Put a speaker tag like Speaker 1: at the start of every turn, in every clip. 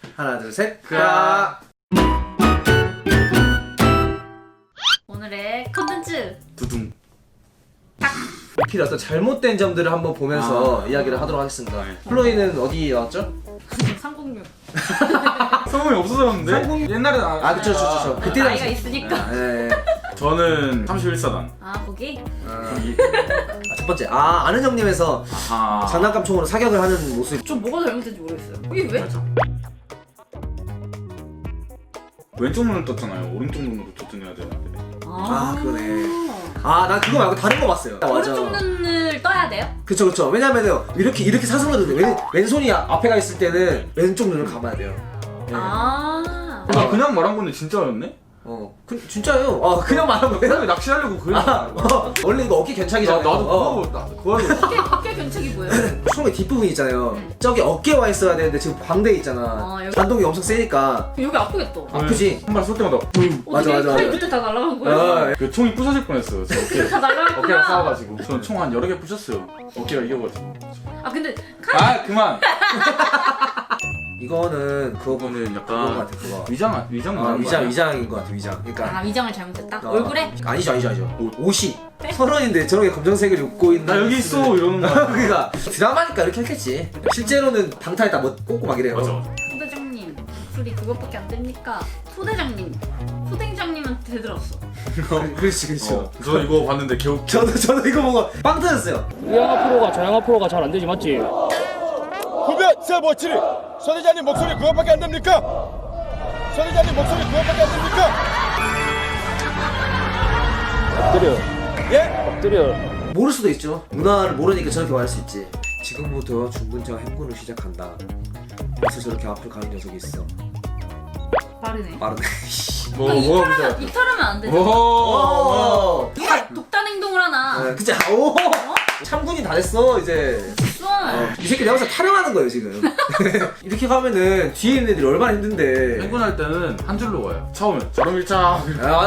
Speaker 1: 하나 둘 셋.
Speaker 2: 크아.
Speaker 3: 오늘의 컨텐츠
Speaker 2: 두둥.
Speaker 1: 필 어떤 잘못된 점들을 한번 보면서 이야기를 하도록 하겠습니다. 플로이는 어디 나왔죠?
Speaker 3: 306.
Speaker 2: 성공이 없어졌는데? 옛날에
Speaker 1: 그쵸. 그때
Speaker 3: 나이가 있으니까.
Speaker 1: 네.
Speaker 2: 저는 31사단.
Speaker 3: 아 거기?
Speaker 1: 첫 번째 아는 형님에서
Speaker 2: 아하.
Speaker 1: 장난감 총으로 사격을 하는 모습.
Speaker 3: 좀 뭐가 잘못된지 모르겠어요. 이게 왜?
Speaker 2: 왼쪽 눈을 떴잖아요. 오른쪽 눈으로 도전해야 되는데.
Speaker 1: 그러네. 난 그거 말고 다른 거 봤어요.
Speaker 3: 오른쪽 눈을 떠야 돼요?
Speaker 1: 그쵸. 왜냐면은 이렇게 사선으로 왼손이 앞에 가 있을 때는 왼쪽 눈을 감아야 돼요. 네.
Speaker 2: 나 그냥 말한 건데 진짜였네?
Speaker 1: 진짜요. 그냥 말한 거예요?
Speaker 2: 그냥 낚시하려고 그냥.
Speaker 1: 원래 이거 어깨 견착이잖아요.
Speaker 2: 나도 그거
Speaker 3: 어깨 견착이 뭐예요?
Speaker 1: 처음에 뒷부분 있잖아요. 저기 어깨 와 있어야 되는데 지금 광대에 있잖아.
Speaker 3: 여기.
Speaker 1: 반동이 엄청 세니까
Speaker 3: 여기 아프겠다.
Speaker 1: 아프지?
Speaker 2: 한 발 쏠 때마다
Speaker 1: 맞아.
Speaker 3: 팔 밑에 다 날아간 거예요?
Speaker 2: 그 총이 부서질 뻔했어요. 저 어깨.
Speaker 3: 다 날아갔구나.
Speaker 2: 어깨가 싸워가지고. 저는 총 한 여러 개 부셨어요. 어깨가 이겨가지고.
Speaker 3: 근데
Speaker 2: 그만.
Speaker 1: 이거는 그거는
Speaker 2: 이거는
Speaker 1: 그거
Speaker 2: 약간
Speaker 1: 같아 그거.
Speaker 2: 위장
Speaker 1: 위장인 것 같아 위장. 그러니까
Speaker 3: 위장을 잘못했다? 얼굴에?
Speaker 1: 아니죠. 옷이 서른인데 저렇게 검정색을 입고 있는.
Speaker 2: 나 여기 있어 이러는 거야.
Speaker 1: 그러니까 드라마니까 이렇게 했겠지. 실제로는 방탈했다 뭐 꽂고 막 이래요.
Speaker 2: 맞아.
Speaker 3: 소대장님 목소리 그것밖에 안 됩니까? 소대장님한테 들었어.
Speaker 1: 그렇지.
Speaker 2: 저 이거 봤는데 겨우.
Speaker 1: 저도 이거 보고 빵 터졌어요.
Speaker 4: 우양아 프로가 저양아 프로가 잘 안 되지 맞지?
Speaker 5: 후배 세 멋지리 서대장님 목소리 그것밖에 안 됩니까? 서대장님 목소리 그것밖에 안 됩니까?
Speaker 4: 엎드려
Speaker 5: 예?
Speaker 4: 엎드려.
Speaker 1: 모를 수도 있죠. 문화를 모르니까 저렇게 말할 수 있지. 지금부터 중분자가 행군을 시작한다. 그래서 저렇게 앞으로 가는 녀석이 있어.
Speaker 3: 빠르네.
Speaker 1: 빠르네.
Speaker 3: 이탈하면 안 되죠.
Speaker 1: 오.
Speaker 3: 누가 독단 행동을 하나?
Speaker 1: 그치. 오. 참군이 다 됐어 이제. 이 새끼 내가 봤을 때 타령하는 거예요 지금. 이렇게 가면은 뒤에 있는 애들이 얼마나 힘든데.
Speaker 2: 행군할 때는 한 줄로 가요. 처음에 저런 일자.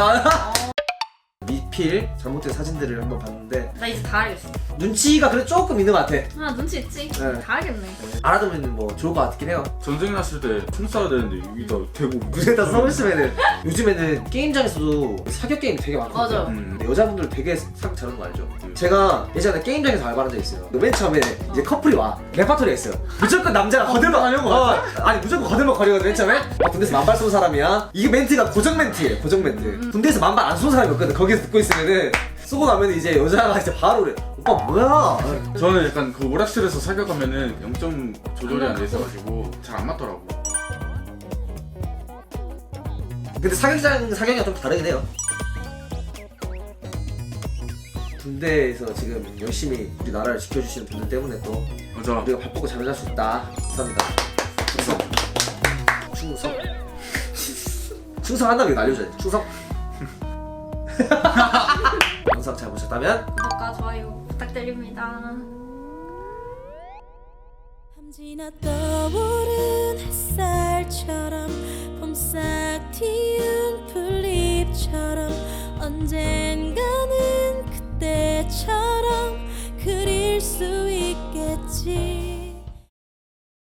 Speaker 1: 미필 잘못된 사진들을 한번 봤는데
Speaker 3: 나 이제 다 알겠어.
Speaker 1: 눈치가 그래 조금 있는 것 같아.
Speaker 3: 눈치 있지?
Speaker 1: 네.
Speaker 3: 다 알겠네.
Speaker 1: 알아두면 뭐 좋을 것 같긴 해요.
Speaker 2: 전쟁 났을 때 총 쏴야 되는데 여기다 대고
Speaker 1: 눈에다 써있으면은 요즘에는 게임장에서도 사격 게임 되게 많거든요.
Speaker 3: 맞아.
Speaker 1: 근데 여자분들 되게 사격 잘하는 거 알죠? 제가 예전에 게임장에서 알바한 적 있어요. 맨 처음에 이제 커플이 와 레파토리가 있어요. 무조건 남자가 거들먹 하려고 아니 무조건 거들먹 거리거든. 맨 처음에 군대에서 만발 쏜 사람이야. 이게 멘트가 고정 멘트예요. 고정 멘트. 군대에서 만발 안 쏜 사람이 없거든. 거기서 듣고 있으면은 쏘고 나면 이제 여자가 이제 바로 그래. 오빠 뭐야?
Speaker 2: 저는 약간 그 오락실에서 사격하면은 0점 조절이 안 돼 있어가지고 잘 안 맞더라고.
Speaker 1: 근데 사격이랑 좀 다르긴 해요. 군대에서 지금 열심히 우리 나라를 지켜주시는 분들 때문에 또
Speaker 2: 맞아.
Speaker 1: 우리가 밥 먹고 잠을 잘 수 있다. 감사합니다. 충성. 충성한다면 이거 날려줘야 돼. 충성. 영상 잘 보셨다면
Speaker 3: 구독과 좋아요 부탁드립니다.
Speaker 6: 밤지나 떠오른 햇살처럼 봄싹 튀운 풀잎처럼 언젠가는 그때처럼 그릴 수 있겠지.